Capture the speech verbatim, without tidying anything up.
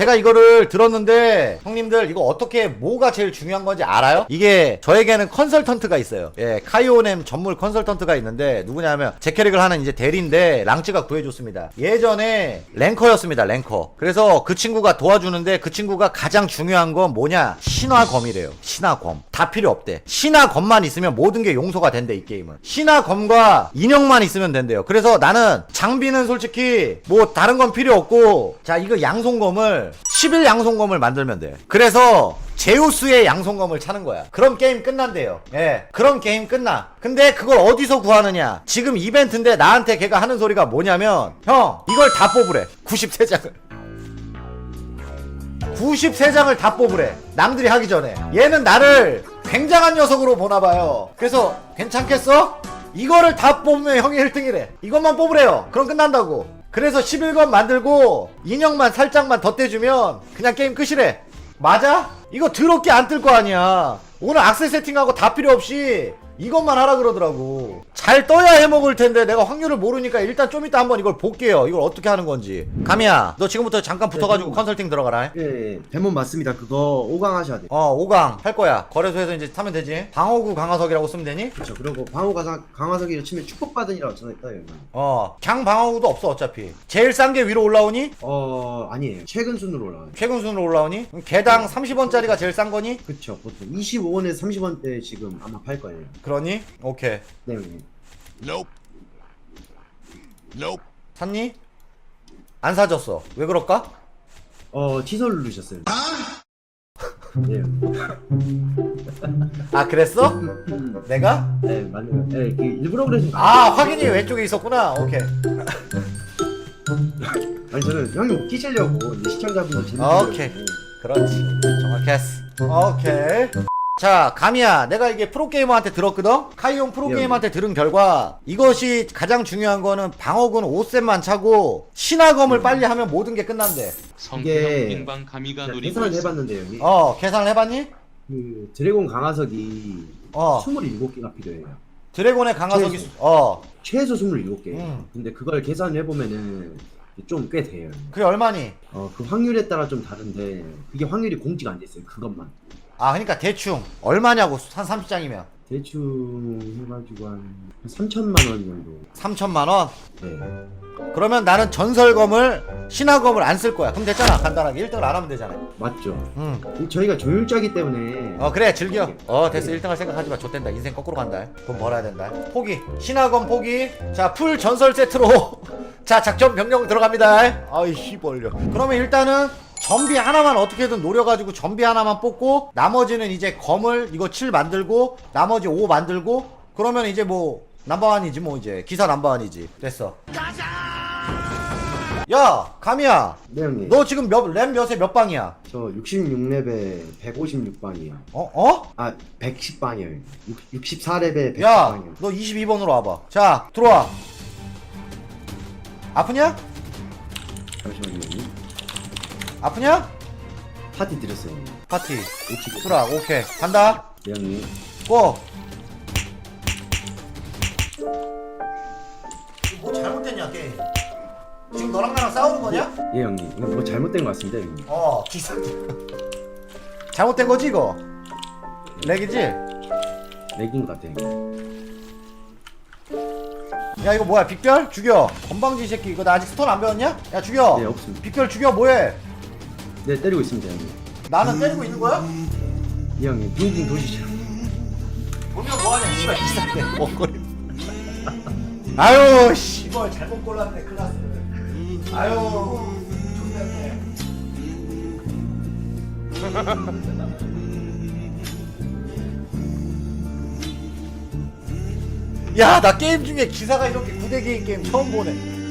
제가 이거를 들었는데 형님들 이거 어떻게 뭐가 제일 중요한 건지 알아요? 이게 저에게는 컨설턴트가 있어요. 예, 카이오넴 전문 컨설턴트가 있는데 누구냐면 제 캐릭을 하는 이제 대리인데 랑츠가 구해줬습니다. 예전에 랭커였습니다. 랭커. 그래서 그 친구가 도와주는데 그 친구가 가장 중요한 건 뭐냐? 신화검이래요. 신화검. 다 필요 없대. 신화검만 있으면 모든 게 용서가 된대 이 게임은. 신화검과 인형만 있으면 된대요. 그래서 나는 장비는 솔직히 뭐 다른 건 필요 없고 자 이거 양손검을 십일 양손검을 만들면 돼. 그래서 제우스의 양손검을 차는 거야. 그럼 게임 끝난대요. 예, 그럼 게임 끝나. 근데 그걸 어디서 구하느냐? 지금 이벤트인데 나한테 걔가 하는 소리가 뭐냐면 형 이걸 다 뽑으래. 구십삼 장을 구십삼 장을 다 뽑으래. 남들이 하기 전에. 얘는 나를 굉장한 녀석으로 보나봐요. 그래서 괜찮겠어? 이거를 다 뽑으면 형이 일 등이래. 이것만 뽑으래요. 그럼 끝난다고. 그래서 십일 권 만들고 인형만 살짝만 덧대주면 그냥 게임 끝이래. 맞아? 이거 더럽게 안 뜰 거 아니야. 오늘 악세 세팅하고 다 필요 없이 이것만 하라 그러더라고. 잘 떠야 해먹을 텐데 내가 확률을 모르니까 일단 좀 이따 한번 이걸 볼게요. 이걸 어떻게 하는 건지. 가미야 너 지금부터 잠깐 붙어가지고 네, 컨설팅 들어가라. 예, 예. 대문 맞습니다. 그거 오 강 하셔야 돼요. 어 오 강 할 거야. 거래소에서 이제 사면 되지. 방어구 강화석이라고 쓰면 되니? 그렇죠. 그리고 방어 가상 강화석이를 치면 축복받으니라고 전화했다 여기. 어 강 방어구도 없어 어차피. 제일 싼 게 위로 올라오니? 어 아니에요. 최근 순으로 올라와요. 최근 순으로 올라오니? 그럼 개당 삼십 원짜리가 제일 싼 거니? 그렇죠. 보통 이십오 원에서 삼십 원대 지금 아마 팔 거예요. 그러니? 오케이. 네, 형님. Nope. Nope. 샀니? 안 사줬어. 왜 그럴까? 어 취소 누르셨어요. 네. 아 그랬어? 내가? 네, 맞네요. 네, 그 일부러 그러신 거 아 확인이 왼쪽에 있었구나. 오케이. 아니 저는 형님 웃기시려고 이제 시청자분들 재밌게. 오케이. 그렇지. 정확했어. 오케이. 자 가미야 내가 이게 프로게이머한테 들었거든? 카이온 프로게이머한테 들은 결과 이것이 가장 중요한 거는 방어군 오 셋만 차고 신화검을 음. 빨리 하면 모든 게 끝난대. 이게 빙방 가미가 제가 노리고 계산을 있어. 해봤는데요. 형님. 어 계산을 해봤니? 그 드래곤 강화석이 어 스물일곱 개가 필요해요. 드래곤의 강화석이 최소. 어 최소 스물일곱 개. 음. 근데 그걸 계산을 해보면은 좀 꽤 돼요. 그게 얼마니? 어, 그 확률에 따라 좀 다른데 그게 확률이 공지가 안 돼 있어요. 그것만. 아 그러니까 대충 얼마냐고 한 삼십 장이면 대충 해가지고 한 삼천만 원 정도. 삼천만 원? 네. 그러면 나는 전설검을 신화검을 안 쓸 거야. 그럼 됐잖아. 간단하게 일 등을 안 하면 되잖아. 맞죠. 응. 저희가 조율자기 때문에. 어 그래 즐겨. 어 됐어. 일 등 할 생각하지 마. 좆된다. 인생 거꾸로 간다. 돈 벌어야 된다. 포기. 신화검 포기. 자 풀 전설 세트로 자 작전 변경 들어갑니다. 아이 씨벌려. 그러면 일단은 전비 하나만 어떻게든 노려가지고 전비 하나만 뽑고 나머지는 이제 검을 이거 칠 만들고 나머지 오 만들고 그러면 이제 뭐 넘버원이지 뭐 이제 기사 넘버원이지. 됐어. 야 가미야 네 형님. 너 지금 몇 램 몇에 몇 방이야? 저 육십육 렙에 백오십육 방이요. 어? 어? 아 백십 방이요. 육십사 렙에 백십 야 방이요. 너 이십이 번으로 와봐. 자 들어와. 아프냐? 잠시만요. 형님. 아프냐? 파티 드렸어요. 형님. 파티 오치고. 수락 오케이 간다. 네 형님. 고! 뭐 잘못됐냐 게임? 지금 너랑 나랑 싸우는 거냐? 예 형님. 이거 뭐 잘못된 것 같습니다 형님. 어 기사 잘못된 거지 이거? 렉이지? 렉인 것 같아요. 형님. 야 이거 뭐야 빅별? 죽여. 건방지 새끼 이거 나 아직 스톤 안 배웠냐? 야 죽여. 네 없습니다. 빅별 죽여 뭐해? 네 때리고 있습니다 형님. 나는 때리고 있는 거야? 예 형님. 빙빙 도시죠. 보면 뭐하냐 씨발 기사네 먹거리. 아유 씨발 잘못 골랐네 클라스. 아유 좋네. 야 나 게임 중에 기사가 이렇게 구대기인 게임 처음 보네.